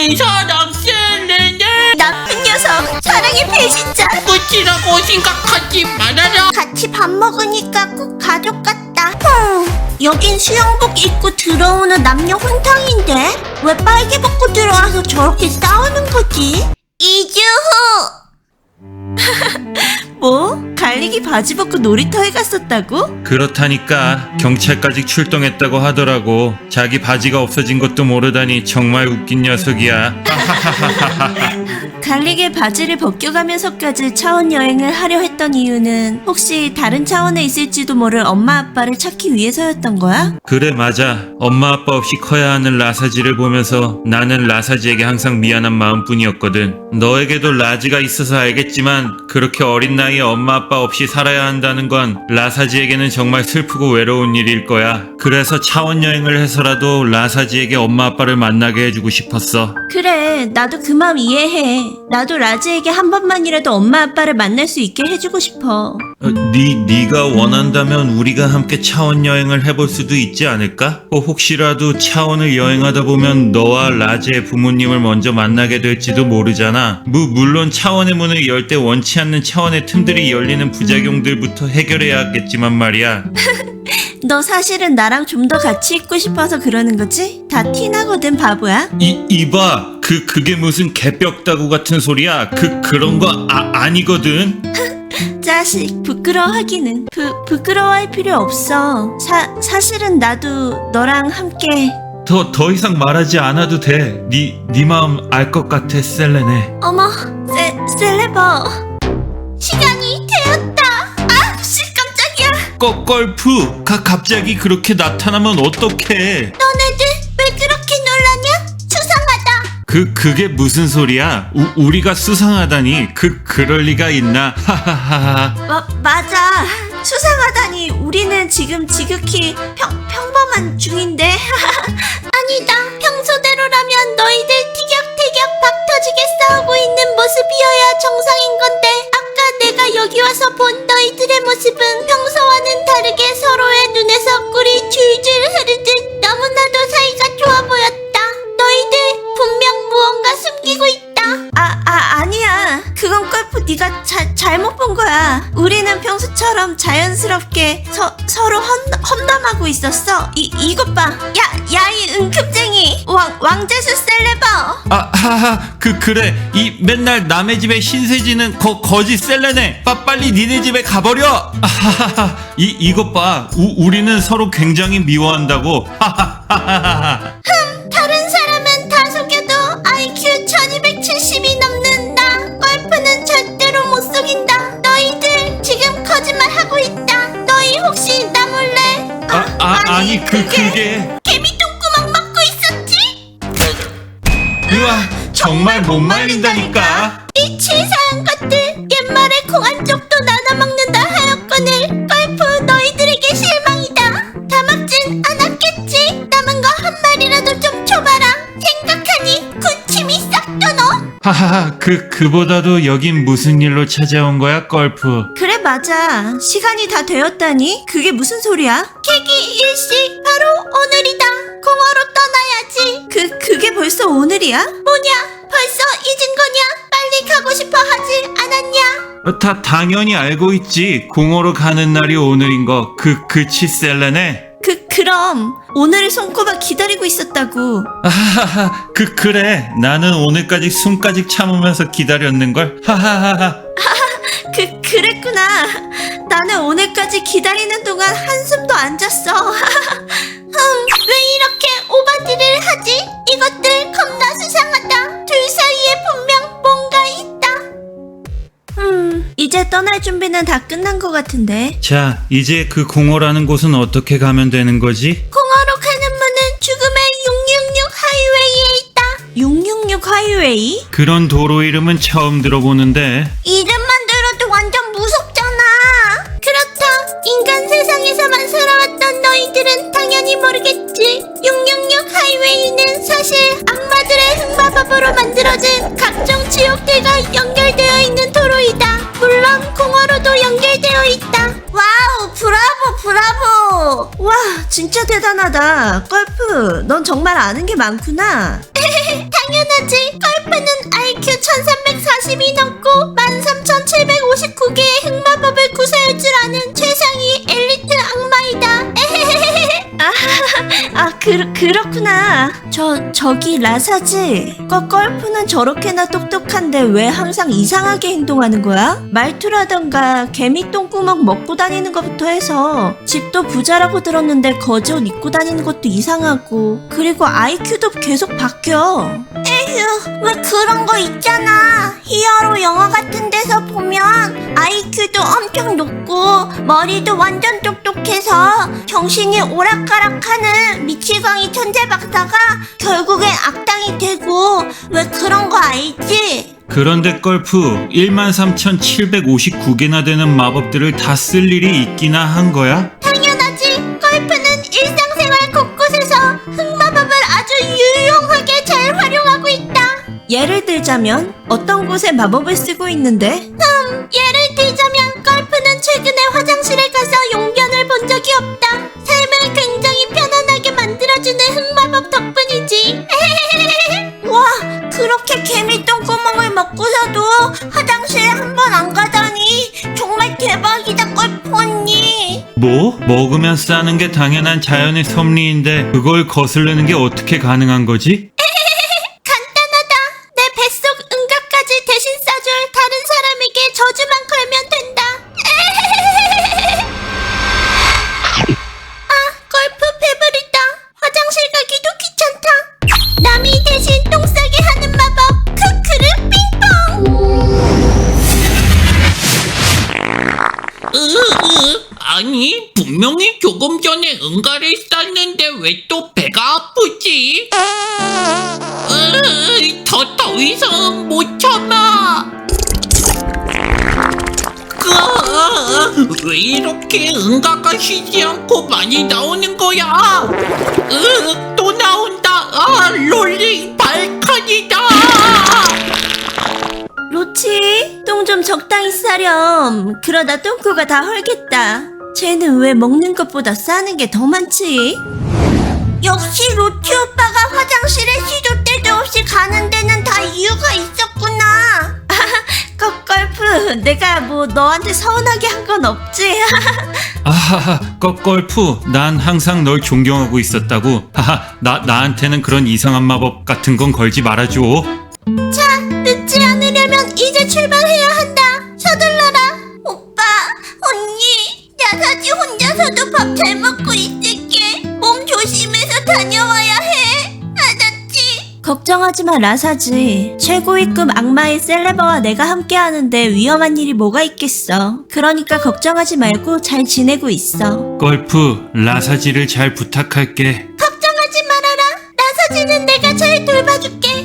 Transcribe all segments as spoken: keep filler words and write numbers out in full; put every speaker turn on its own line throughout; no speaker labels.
내 사랑 셀레네.
나쁜 녀석, 사랑의 배신자.
끝이라고 생각하지 말아라.
같이 밥 먹으니까 꼭 가족 같다. 흠, 여긴 수영복 입고 들어오는 남녀 혼탕인데 왜 빨개 벗고 들어와서 저렇게 싸우는 거지? 이 주 후. 뭐? 갈리기 바지 벗고 놀이터에 갔었다고?
그렇다니까 경찰까지 출동했다고 하더라고. 자기 바지가 없어진 것도 모르다니 정말 웃긴 녀석이야.
갈리게 바지를 벗겨가면서까지 차원 여행을 하려 했던 이유는 혹시 다른 차원에 있을지도 모를 엄마 아빠를 찾기 위해서였던 거야?
그래 맞아. 엄마 아빠 없이 커야 하는 라사지를 보면서 나는 라사지에게 항상 미안한 마음뿐이었거든. 너에게도 라지가 있어서 알겠지만 그렇게 어린 나이에 엄마 아빠 없이 살아야 한다는 건 라사지에게는 정말 슬프고 외로운 일일 거야. 그래서 차원 여행을 해서라도 라사지에게 엄마 아빠를 만나게 해주고 싶었어.
그래, 나도 그 마음 이해해. 나도 라지에게 한 번만이라도 엄마 아빠를 만날 수 있게 해주고 싶어.
어, 네, 네가 원한다면 우리가 함께 차원 여행을 해볼 수도 있지 않을까? 어, 혹시라도 차원을 여행하다 보면 너와 라지의 부모님을 먼저 만나게 될지도 모르잖아. 무, 물론 차원의 문을 열 때 원치 않는 차원의 틈들이 열리는 부작용들부터 해결해야겠지만 말이야.
너 사실은 나랑 좀 더 같이 있고 싶어서 그러는 거지? 다 티나거든, 바보야.
이, 이봐, 그, 그게 무슨 개벽다구 같은 소리야. 그, 그런 거 아, 아니거든?
자식, 부끄러워하기는. 부, 부끄러워할 필요 없어. 사, 사실은 나도 너랑 함께.
더, 더 이상 말하지 않아도 돼. 네, 네 마음 알 것 같아, 셀레네.
어머, 세, 셀레버. 시간이 되었다. 아, 씨, 깜짝이야.
거, 걸프, 가, 갑자기 그렇게 나타나면 어떡해.
너네들 왜 그렇게 놀라냐? 수상하다.
그, 그게 무슨 소리야? 우, 우리가 수상하다니. 그, 그럴 리가 있나? 하하하하.
마, 맞아. 수상하다니. 우리는 지금 지극히 평, 평범한 중인데. 아니다. 평소대로라면 너희들 티격태격 박터지게 싸우고 있는 모습이어야 정상인 건데 아까 내가 여기 와서 본 너희들의 모습은 평소와는 다르게 서로의 눈에서 꿀이 줄줄 흐르듯 너무나도 사이가 좋아 보였다. 너희들 분명 무언가 숨기고 있다. 아, 아, 아니야. 그건 골프 네가 자, 잘못 본 거야. 우리는 평소처럼 자연스럽게 서, 서로 험, 험담하고 있었어. 이, 이것 봐. 야, 야, 이 은큼쟁이. 왕, 왕재수 셀레버.
아, 하하, 그, 그래. 이 맨날 남의 집에 신세지는 거, 거지 셀레네. 빠, 빨리 니네 집에 가버려. 아하하하. 이, 이것 봐. 우, 우리는 서로 굉장히 미워한다고. 하하하하하.
흠, 다른 사람은 다 속여도 아이큐 천이백칠십이 넘는 나. 골프는 절대로 못 속인다. 너희들 지금 거짓말하고 있다. 너희 혹시 나 몰래?
아, 아, 아니, 그, 그게.
개미 똥구멍 막고 있었지?
으아, 정말 못 말린다니까.
이 치사한 것들. 옛말에 콩 한쪽도 나눠 먹는다 하였거늘. 골프 너희들에게 실망이다. 다 먹진 않았겠지? 남은 거 한 마리라도 좀 줘봐라. 생각하니 군침이 싹 도노.
하하하, 그, 그보다도 여긴 무슨 일로 찾아온 거야, 걸프?
그래 맞아. 시간이 다 되었다니? 그게 무슨 소리야? 계기 일시 바로 오늘이다. 공허로 떠나야지. 그, 그게 벌써 오늘이야? 뭐냐? 벌써 잊은 거냐? 빨리 가고 싶어 하지 않았냐?
어, 다, 당연히 알고 있지. 공허로 가는 날이 오늘인 거. 그, 그치, 셀레네?
그, 그럼 오늘을 손꼽아 기다리고 있었다고.
아하하, 그, 그래. 나는 오늘까지 숨까지 참으면서 기다렸는걸. 하하하하.
그, 그랬구나. 나는 오늘까지 기다리는 동안 한숨도 안 잤어. 음, 왜 이렇게 오바디를 하지? 이것들 겁나 수상하다. 둘 사이에 분명 뭔가 있다. 음, 이제 떠날 준비는 다 끝난 것 같은데.
자, 이제 그 공허라는 곳은 어떻게 가면 되는 거지?
공허로 가는 문은 죽음의 육육육 하이웨이에 있다. 육육육 하이웨이?
그런 도로 이름은 처음 들어보는데.
이름만 들어도 완전 무섭잖아. 그렇다. 인간 세상에서만 살아왔던 너희들은 당연히 모르겠지. 육육육 하이웨이는 사실 악마들의 흑마법으로 만들어진 각종 지옥들과 연결되어 있는 도로이다. 물론 공허로도 연결되어 있다. 와우, 브라보 브라보. 와, 진짜 대단하다. 골프, 넌 정말 아는 게 많구나. 당연하지. 걸프는 아이큐 천삼백사십이 넘고 만 삼천칠백오십구 개의 흑마법을 구사할 줄 아는 최상위 엘리트 악마이다. 아, 아 그, 그렇구나. 저, 저기 라사지. 거, 걸프는 저렇게나 똑똑한데 왜 항상 이상하게 행동하는 거야? 말투라던가 개미 똥구멍 먹고 다니는 것부터 해서 집도 부자라고 들었는데 거지옷 입고 다니는 것도 이상하고 그리고 아이큐도 계속 바뀌어. 에휴, 왜 그런 거 있잖아. 히어로 영화 같은 데서 보면 아이큐도 엄청 높고 머리도 완전 똑똑해서 정신이 오락가락하는 미치광이 천재 박사가 결국엔 악당이 되고 왜 그런 거 알지?
그런데 걸프 만 삼천칠백오십구 개나 되는 마법들을 다 쓸 일이 있기나 한 거야?
당연하지. 걸프는 일상생활 곳곳에서 흑마법을 아주 유용하게 잘 활용하고 있다. 예를 들자면 어떤 곳에 마법을 쓰고 있는데? 음, 예를 들자면 걸프는 최근에 화장실에 가서 용변을 본 적이 없다. 삶을 굉장히 편안하게 만들어주는 흑마법 덕분이지. 와, 그렇게 개미 똥구멍을 먹고서도 화장실에 한 번 안 가다니 정말 대박이다, 걸프 언니.
뭐? 먹으면 싸는 게 당연한 자연의 섭리인데 그걸 거스르는 게 어떻게 가능한 거지?
간단하다. 내 뱃속 응급까지 대신 싸줄 다른 사람에게 저주만 걸면 된다. 아, 걸프 배부르다. 화장실 가기도 귀찮다. 남이 대신 똥 싸게 하는 마법. 크크르 빙봉.
으, 으, 아니 분명히 조금 전에 응가를 쌌는데 왜 또 배가 아프지? 으, 더, 더 이상 못 참아. 그, 왜 이렇게 응가가 쉬지 않고 많이 나오는 거야? 으, 또 나온다. 아, 롤링 발칸이다.
로치, 똥 좀 적당히 싸렴. 그러다 똥코가 다 헐겠다. 쟤는 왜 먹는 것보다 싸는 게 더 많지? 역시 로치 오빠가 화장실에 시도 때도 없이 가는 데는 다 이유가 있었구나. 꺽걸프, 내가 뭐 너한테 서운하게 한 건 없지?
아하하, 꺽걸프, 난 항상 널 존경하고 있었다고. 하하, 나, 나한테는 그런 이상한 마법 같은 건 걸지 말아줘.
자, 늦지 않으려면 이제 출발해야 한다. 서둘러라. 오빠, 언니, 야사지 혼자서도 밥 잘 먹고 있을게. 몸 조심해서 다녀와야 해. 알았지? 걱정하지 마, 라사지. 최고위급 악마의 셀레버와 내가 함께 하는데 위험한 일이 뭐가 있겠어. 그러니까 걱정하지 말고 잘 지내고 있어.
걸프, 라사지를 잘 부탁할게.
걱정하지 말아라. 라사지는 내가 잘 돌봐줄게.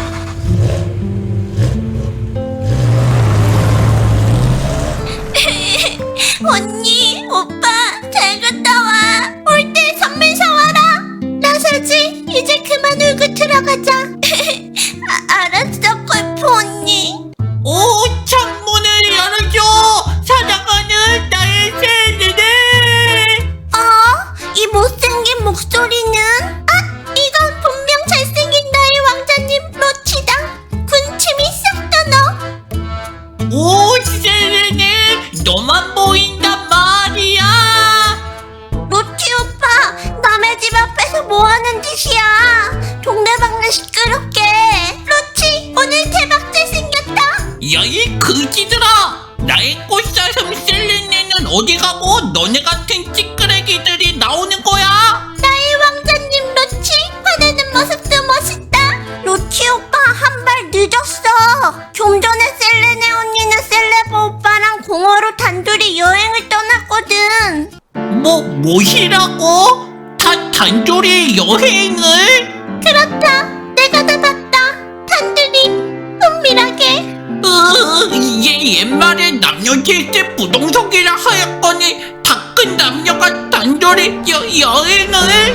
언니, 오빠, 잘 갔다 와. 올 때 선물 사와라. 라사지, 이제 그만 울고 들어가자. 아, 알았어, 걸프 언니.
오, 창문을 열어줘. 사랑하는 나의 셀레네.
어? 이 못생긴 목소리는? 아, 이건 분명 잘생긴 나의 왕자님 로치다. 군침이 싹 떠너.
오, 셀레네, 너만 보인단 말이야.
로치 오빠, 남의 집 앞에서 뭐 하는 짓이야? 동네방네 시끄럽게. 로치, 오늘 대박 잘생겼다.
야, 이 그지들아. 나의 꽃사슴 셀레네는 어디 가고 너네 같은 찌끄레기들이 나오는 거야?
나의 왕자님 로치, 화내는 모습도 멋있다. 로치 오빠, 한 발 늦었어. 좀 전에 셀레네 언니는 셀레버 오빠랑 공허로 단둘이 여행을 떠났거든.
뭐, 뭐시라고? 다, 단둘이 여행을?
그렇다. 내가 다 봤다. 단둘이 은밀하게.
으, 이게 옛말에 남녀 칠세 부동석이라 하였거니 다 큰 남녀가 단둘이 여, 여행을?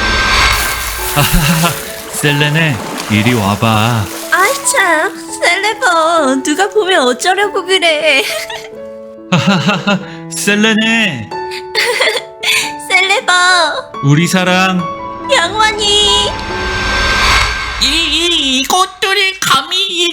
하하하, 셀레네, 이리 와봐.
아이 참, 셀레버 누가 보면 어쩌려고 그래.
하하하하, 셀레네,
셀레버
우리 사랑.
영원히.
이, 이,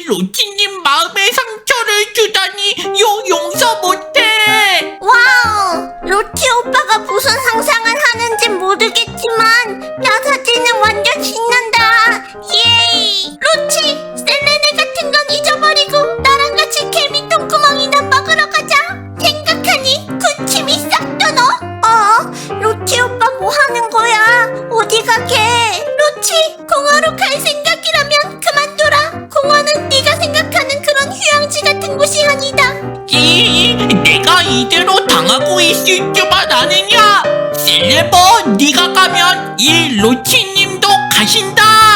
로치님 마음에 상처를 주다니 요 용서 못해.
와우! 로치 오빠가 무슨 상상을 하는지 모르겠지만 라사지는 완전 신난다. 예이! 로치! 셀레네 같은 건 잊어버리고 나랑 같이 개미 똥구멍이나 먹으러 가자. 생각하니 군침이 싹 도너? 어? 로치 오빠 뭐 하는 거야? 어디 가게? 로치! 공원으로 갈 생각이라면 그만둬라. 공원은 네가 생각하는 그런 휴양지 같은 곳이 아니다.
이, 내가 이대로 당하고 있을 줄만 아느냐? 셀레버, 네가 가면 이 로치님도 가신다.